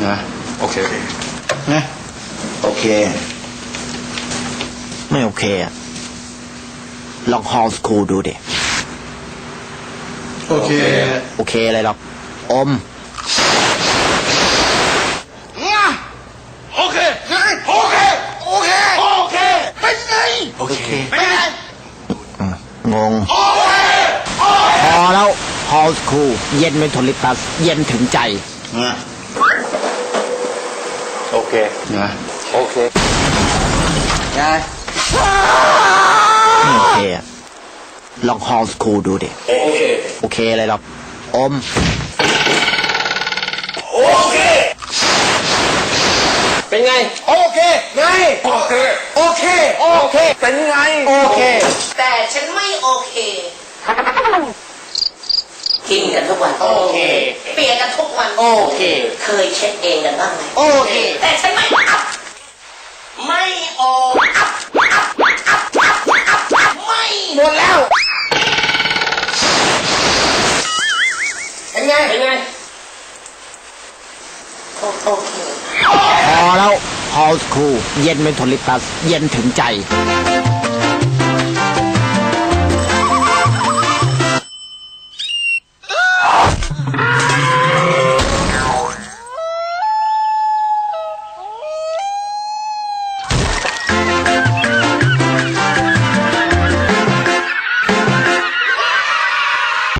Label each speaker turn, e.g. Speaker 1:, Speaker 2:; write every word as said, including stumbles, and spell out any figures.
Speaker 1: นะโอเคนะโอเค
Speaker 2: ไม่โอเคอะลองฮอลสคูลดูดิ
Speaker 1: โอเค
Speaker 2: โอเคอะไรหรอกอม
Speaker 1: โอเคโอเคโอเคโอเคเป็นไงโอเคเป็นไง
Speaker 2: งง
Speaker 1: โอเค
Speaker 2: พอแล้วฮอลสคูลเย็นไม่ทนลิปตัสเย็นถึงใจ
Speaker 1: นะโอเคนะโอเคไง
Speaker 2: ไม่โอเคอะลองฮอลสคูลดูดิ
Speaker 1: โอเค
Speaker 2: โอเคอะไรหรอกอม
Speaker 1: โอเคเป็นไงโอเคไงโอเคโอเคโอเคเป็นไงโอเค
Speaker 3: แต่ฉันไม่โอเคกินกันทุกวัน
Speaker 1: โอเค
Speaker 3: เปียกกันทุกวัน
Speaker 1: โอเค
Speaker 3: เคยเช็ดเองกันบ้างไหม
Speaker 1: โอเค
Speaker 3: แต่ฉันไม่อัพไม่โออัพอัพอัพอัพอัพอัพไม่
Speaker 1: หมดแล้วเป็นไงเป็นไง
Speaker 3: โอเค
Speaker 2: พอแล้วฮอลสคูลเย็นไม่ทนลิปตัสเย็นถึงใจ